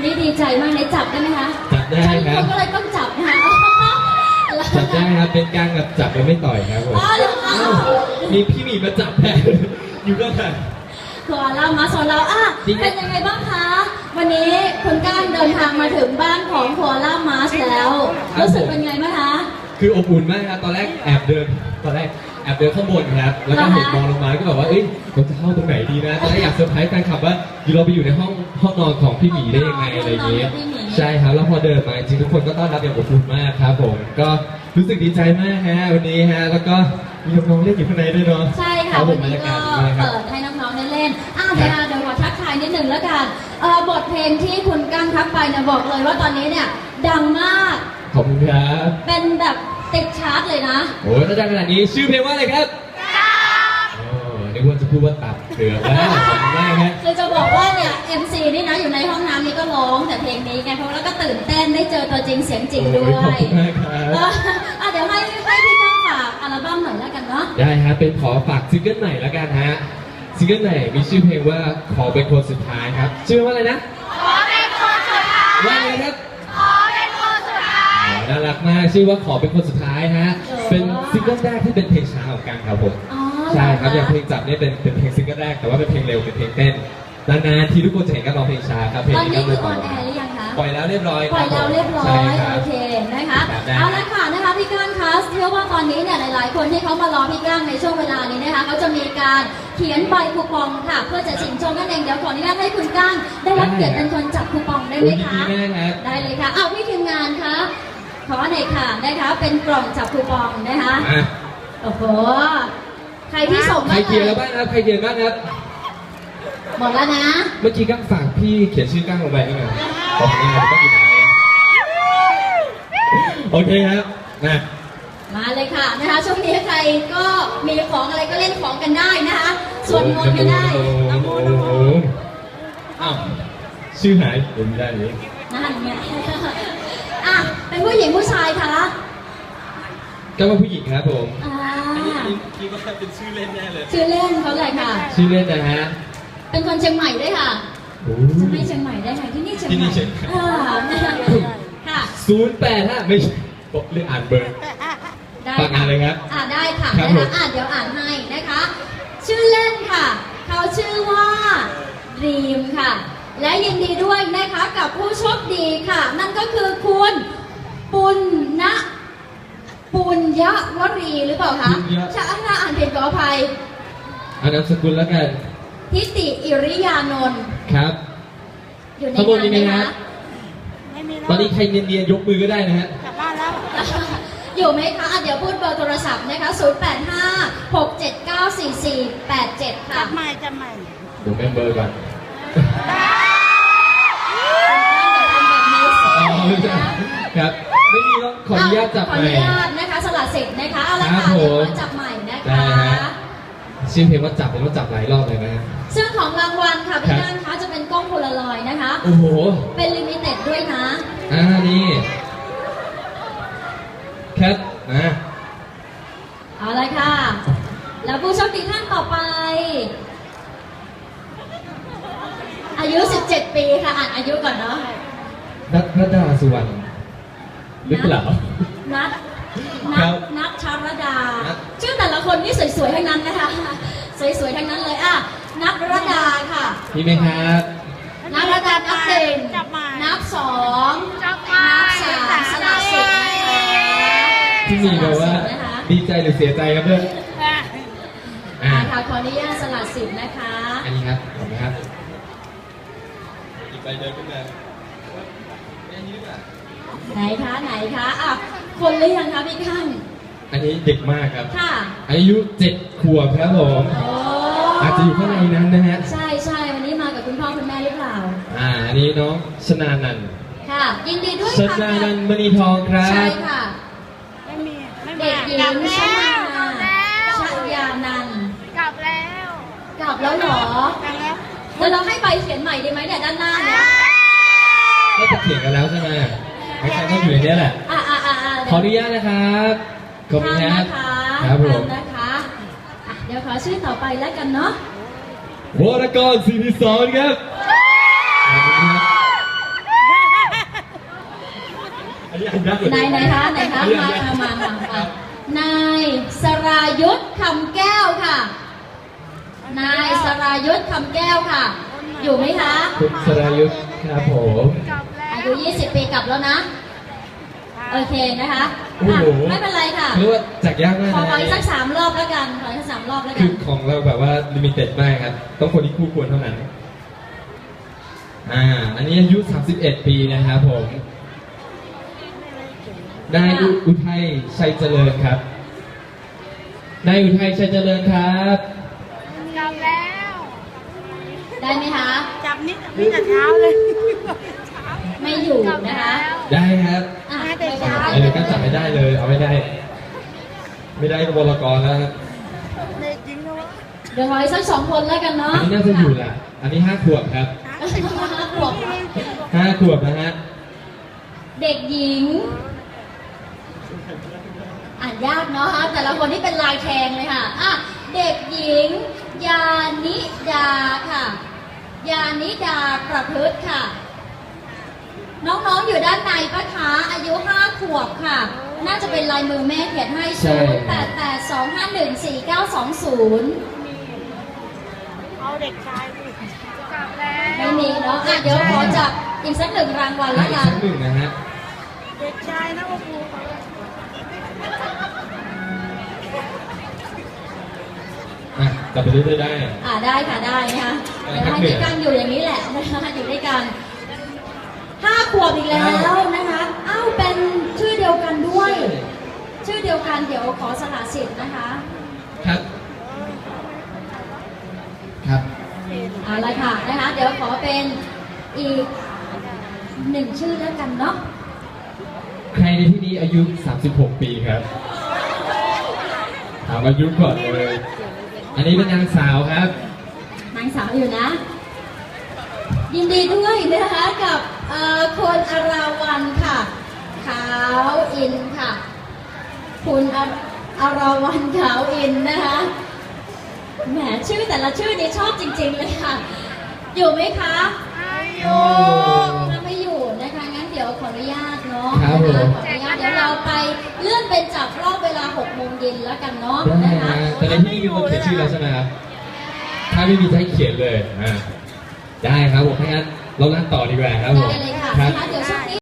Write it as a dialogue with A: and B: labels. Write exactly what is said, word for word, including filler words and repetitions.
A: นี้ดีใจมากเลยจับได้ไหมคะ
B: จับได้ครับ
A: ฉันก็เลยต้องจับนะคะ
B: จับได้ครับเป็นการแบบจับแล้วไม่ต่อยครับผม
A: อ๋อเหรอคะ
B: อ้าวมีพี่หมีมาจับแทนอยู่ก็ได้
A: ตัวเรามาสอนเราอ่ะ
B: จริงไหม
A: เป็นยังไงบ้างคะวันนี้คุณก้านเดินทางมาถึงบ้านของโคอาล่ามาสแล้วรู้สึกเป็นไงบ้างคะ
B: คืออบอุ่นมากครับตอนแรกแอบเดินตอนแรกแอบเดินข้างบนครับแล้วก็เห็นมองลงมาก็แบบว่าเอ้ยเราจะเข้าตรงไหนดีนะตอนแรกอยากเซอร์ไพรส์แฟนคลับว่าอยู่เราไปอยู่ในห้องห้องนอนของพี่หมีได้ยังไงอะไรอย่างเงี้ยใช่ครับแล้วพอเดินมาจริงๆทุกคนก็ต้อนรับอย่างอบอุ่นมากครับผมก็รู้สึกดีใจมากฮะวันนี้ฮะแล้วก็มีน้องๆเล่นอยู่ข้างในด้วยเนาะ
A: ใช่ค่ะ
B: รับผ
A: วั
B: ม
A: น
B: บรร
A: นี้
B: ยา
A: ก็
B: กาศดีมากครับ
A: เปิดให้น้องๆได้เล่นอ่ะเดี๋ยวเดี๋ยวขอทักทายนิดหนึ่งแล้วกันเอ่อบทเพลงที่คุณก้างทักไปเนี่ยบอกเลยว่าตอนนี้เนี่ยดังมาก
B: ขอบคุณครับ
A: เป็นแบบติดชาร์ตเลยนะ
B: โอ้ยถ้าดังขนาดนี้ชื่อเพลงว่าอะไรครับโอ้นึกว่าจะพูดว่าตับเถื่อนแล้วขอบคุณมากฮะ
A: คือจะบอกว่าเนี่ย เอ็ม ซี นี่นะอยู่ในห้องน้ำนี่ก็ร้องแต่เพลงนี้ไงเพราะแล้วก็ตื่นเต้นได้เจอตัวจริงเสียงจริงด้วย
B: โอ้ขอบคุณมากครับ
A: เอออ่ะเดี๋ยวให้ให้พี่ก้างฝากอัลบั้มหน่อยแล้วกันเนาะ
B: ได้ฮะเป็นขอฝากซิงเกิลใหม่แล้วกันฮะซิงเกิลใหม่มีชื่อเพลงว่าขอเป็นคนสุดท้ายครับชื่อว่าอะไรนะขอเป็นคนสุดท้ายว่าไงครับขอเป็นคนสุดท้ายน่ารักมากชื่อว่าขอเป็นคนสุดท้ายฮะเป็นซิงเกิลแรกที่เป็นเพลงช้าของกันครับผม
A: อ๋อ
B: ใช่ครับ
A: เห
B: อ
A: ร
B: ย่างเพลงจับเนี่ยเป็นเป็นเพลงซิงเกิลแรกแต่ว่าเป็นเพลงเร็วเป็นเพลงเต้นนานๆทีทุกคนจะเห็นกันร้องเพลงช้าครับเพลง
A: ตอน
B: นี้
A: นี้
B: ก็
A: คือ
B: เล
A: อย อนแอร์หรือยังคะ
B: ปล่อยแล้วเรียบร้อย
A: ปล่อยแล้วเรียบร้อ
B: ใช่
A: ย
B: ครับ
A: โอเคนะคะ
B: ครับได้
A: เอาละค่ะนะคะพี่ก้างคะเชื่อว่าตอนนี้เนี่ยหลายๆ คนที่เขามารอพี่ก้างในช่วงเวลานี้นะคะเขาจะมีการเขียนใบคูปองค่ะ เพื่อจะชิงโชคนั่นเองเดี๋ยวขออนุญาตให้คุณก้างได้รับเกียรติเป็นคนจับคูปองได้ไหม
B: โอ้ย
A: คะ
B: ดีมากครับ
A: ได้เลยค่ะเอาพี่ทีมงานคะขอหน่อยค่ะนะคะเป็นกล่องจับคูปองนะคะ
B: อ่ะ
A: โอ้โหใครที่ส่ง
B: ใคร
A: มา
B: เขียนแล้วบ้างครับใครเขียนบ้างครับ
A: หมดแล้วนะ
B: เมื่อกี้ก้างฝากพี่เขียนชื่อก้างลงไปนี่ไงขอบคุณครับก็ดีนะโอเคครับนะ
A: มาเลยค่ะนะคะช่วงนี้ใครก็มีของอะไรก็เล่นของกันได้นะคะส่วนมนต์ไม่ได้
B: โอ้โหอ้าวชื่อหายผมไม่ได้เลย
A: นั่นไงอ่ะเป็นผู้หญิงผู้ชายคะ
B: ก็ว่าผู้หญิงครับผม
A: อ่า
B: คิดว่าเป็นชื่อเล่นแน่เลย
A: ชื่อเล่นเขาเลยค่ะ
B: ชื่อเล่นนะฮะ
A: เป็นคนเชียงใหม่ด้วยค่ะ
B: โอ้
A: จะไม่เชียงใหม่ได้ค่ะที่นี่เชียง
B: ที่
A: ให
B: นี่
A: ม่
B: เชียงใหม่
A: อ่าค่ะ
B: ศูนย์แปดฮะไม่ใช่บอกเรื่องอ่านเบอร์
A: ได้
B: ฝากอ่านเลยครับ
A: อ่าได้ค่ะ
B: ครับ
A: นะ
B: ผ
A: คะ
B: ม
A: อ่าเดี๋ยวอ่านให้นะคะ ชื่อเล่นค่ะ เขาชื่อว่ารีมค่ะ และยินดีด้วยนะคะกับผู้โชคดีค่ะ นั่นก็คือคุณปุณณปุญยวรีหรือเปล่าคะ
B: ปุญญะ
A: ถ้าอ่านผิดขออภัย
B: อ่านนามสกุลแล้วกัน
A: ทิติอิริยานนท์
B: ครับ
A: อยู่ใน
B: ข้างบน
A: งาน
B: มีไหม
A: ไหม
B: ฮะ
A: คะ
C: ไม่มีแล้ว
B: ตอนนี้ใครเนียนๆยกมือก็ได้นะฮะ
C: กลับบ้านแล้ว
A: อยู่ไหมคะอ่ะเดี๋ยวพูดเบอร์โทรศัพท์นะคะ ศูนย์ แปด ห้า หก เจ็ด เก้า สี่ สี่ แปด เจ็ด ค่ะ
C: จับใหม่จับใหม่
B: เดี๋ยวเมมเบอร์ก่อน
A: ทำแบบนี้สิ
B: อ๋อไม่ใช่ครับ ไม่มีต้องขออนุญาตจับ
A: ขอ
B: ให
A: อ
B: ม่
A: นุญาตนะคะสละสิทธิ์นะคะเอาละ
B: ครั
A: ค่ะ
B: บผม
A: เดี๋ยวขอจับใหม่นะ
B: ได้
A: คะ
B: ฮะ ชื่อเพลงว่าจับเป็นว่าจับหลายรอบเลยนะฮะ
A: ซึ่งของรางวัลค่ะ
B: ครั
A: พี่
B: บ
A: ด้านคะจะเป็นกล้องโพลารอยด์นะคะ
B: โอ้โห
A: เป็นลิมิเต็ดด้วยนะ
B: อ่านี่แคทอ่ะ
A: เอาเลยค่ะ แล้วผู้โชคดีท่านต่อไป อายุ สิบเจ็ด ปีค่ะอ่านอายุก่อนเนาะ
B: นัทรดาสุวรรณหรือเปล่า
A: นัท
B: ครั
A: นัท
B: บ
A: นัทชารดา
B: นัท
A: ชื่อแต่ละคนนี่สวยๆทั้งนั้นนะคะ สวยๆทั้งนั้นเลยอ่ะนัทรดาค่ะ
B: มีไหมครับ
A: นัทรดานับหนึ่ง
C: จับใหม่
A: นับสอง
C: จับใหม่
A: นับสามสละสิทธิ์นะคะ
B: ที่มีแบบว่า
A: สละสิทธิ์นะคะ
B: ดีใจหรือเสียใจครับเพื่อน
C: อ่ะ
B: อ่า
A: อ่าค่ะขออนุญาตสละสิทธิ์นะคะ
B: อันนี้ครับขอบคุณครับ อีกใบเดินขึ้นมา
A: ไหนคะไหนคะอ่ะคนหรือยังคะพี่ข้าง
B: อันนี้เด็กมากครับ
A: ค่ะ
B: อายุเจ็ดขวบครับผม
A: โอ้
B: อาจจะอยู่ข้างในนั้นนะฮะ
A: ใช่ใช่วันนี้มากับคุณพ่อคุณแม่หรือเปล่า
B: อ่า อันนี้น้องชนานันท์
A: ค่ะ ยินดีด้วย
B: ช
A: ค่ะ
B: นานันท์มณีทองครับ
A: ใช่ค่ะ
C: ไม่มีไม่มี
A: เด็กหญิง
C: กลับ
A: ช
C: แล้ว
A: นาก
C: ลับแล้ว
A: ชยานันท์
C: กลับแล้ว
A: กลับแล้วเหรอก
C: ลับแล้ว
A: เดี๋ยวเราให้ใบเขียนใหม่ดีไหมเนี่ยด้านหน้าเนี่ย
B: ก็จะเขียนกันแล้วใช่ไหมไม่ใช่ก็อยู่ในนี้แหละ
A: อ่ะอ่ะอ่ะอ่ะ
B: ขออนุญาตนะครับ ขอบคุณค
A: ข้า
B: รั
A: ม
B: บ
A: นะคะ
B: ครับผม
A: ข้ามนะคะอ่ะเดี๋ยวขอชื่อต่อไปแล้วกันเนาะ
B: วรกรศิริสอนครับขอบคุณครับยากกว่า
A: ไหน
B: เดิม
A: ไหนคะไหนคะมามามามามานายสรายุทธคำแก้วค่ะ นายสรายุทธคำแก้วค่ะ อยู่ไหมคะ
B: คุณสรายุทธครับผม
C: กลับแล้ว
A: อายุยี่สิบปีกลับแล้วนะ โอเคนะคะ
B: โอ้
A: อ่ะ
B: โห
A: ไม่เป็นไรค่ะ
B: เรียกว่าจักยากมาก
A: ขอ
B: นะ
A: ขออีกสักสามรอบแล้วกัน ขออีกสักสามรอบแล้วกั
B: คื
A: น
B: อของเราแบบว่าลิมิเต็ดมากครับ ต้องคนที่คู่ควรเท่านั้น อ่า อันนี้อายุ สามสิบเอ็ด ปีนะครับผม นายอุอุทัยชัยเจริญครับ นายอุทัยชัยเจริญครับ
C: กลับแล้ว
A: ได้ไหมคะ
C: จับนิดนี่แต่เช้าเลยเช้า
A: ไม่อยู่
C: กลับ
A: นะ
C: แล้
A: คะ
C: ว
B: ได้ครับ
A: อ่ะ
C: มาแต่
A: ไม่
C: เช้า
A: ได้
B: เออก็จับไม่ได้เลย เอาไม่ได้ ไม่ได้บลกรแล้วครับ
C: เด็กจริงนะวะ
A: เดี๋ยวขออีกสักสองคนแล้วกัน
B: อั
A: เนาะ
B: นนี้น่าจะอยู่แหละ อันนี้ห้าขวบครับ
A: ห้าขวบ
B: ห้าขวบนะฮะ
A: เด็กหญิง อ่านยากเนาะแต่ละคนที่เป็นลายแทงเลยค่ะอ่ะ เด็กหญิง ยานิดาค่ะ ยานิดาประพฤติค่ะ น้องๆอยู่ด้านในปะคะอายุห้าขวบค่ะ น่าจะเป็นลายมือแม่เขียนให้
B: ใช่
A: ศูนย์แปดแปดสองห้าหนึ่งสี่เก้าสองศูนย์
C: เอาเด็กชายดิกลับแล้ว
A: ไม่มีเนาะอ่ะเดี๋ยวขอจับอีกสักหนึ่งรางวัล
B: อ่ะ
A: แล้ว
B: อีก
A: กัน
B: สักหนึ่งนะฮะ
C: เด็กชายนะโอ้โห
B: อ่ะจับไปเรื่อยๆได้
A: อ่าได้ค่ะได้นะคะ
B: ได้
A: เดี๋ยว
B: ครับ
A: ให้ด้วยกันอยู่อย่างนี้แหละนะคะอยู่ด้วยกันห้าขวบอีกแล้วนะคะอ้าวเป็นชื่อเดียวกันด้วย ชื่อเดียวกันเดี๋ยวขอสละสิทธิ์นะคะ
B: ครับ ครับ
A: เอาละค่ะนะคะ เดี๋ยวขอเป็นอีกหนึ่งชื่อแล้วกันเนาะ
B: ใครในที่นี้อายุ สามสิบหก ปีครับ ถามอายุก่อนเลย อันนี้เป็นนางสาวครับ
A: นางสาวอยู่นะ ยินดีด้วยนะคะกับเอ่อคุณอาราวันค่ะ ขาวอินค่ะ คุณอาอาราวันขาวอินนะคะแหมชื่อแต่ละชื่อนี่ชอบจริง ๆ เลยค่ะ อยู่ไหมคะ
B: โอ้
A: ถ้าไม่อยู่นะคะงั้นเดี๋ยวขออนุญาตเนาะ
B: ครับผม
A: ขออนุญาตเดี๋ยวเราไปเลื่อนเป็นจับรอบเวลาหกโมงเย็นแล้วกันเนาะ
B: ได้
A: นะคะ
B: นะแต่ในที่นี้มีคนเขียนชื่อแล้วใช่ไหมครับ ถ้าไม่มีจะให้เขียนเลยอ่าได้ครับผมถ้างั้นเราลั่นต่อดีกว่าครับผม
A: ได้เลยค่ะ
B: ครับ
A: นะคะเดี๋ยวช่วงนี้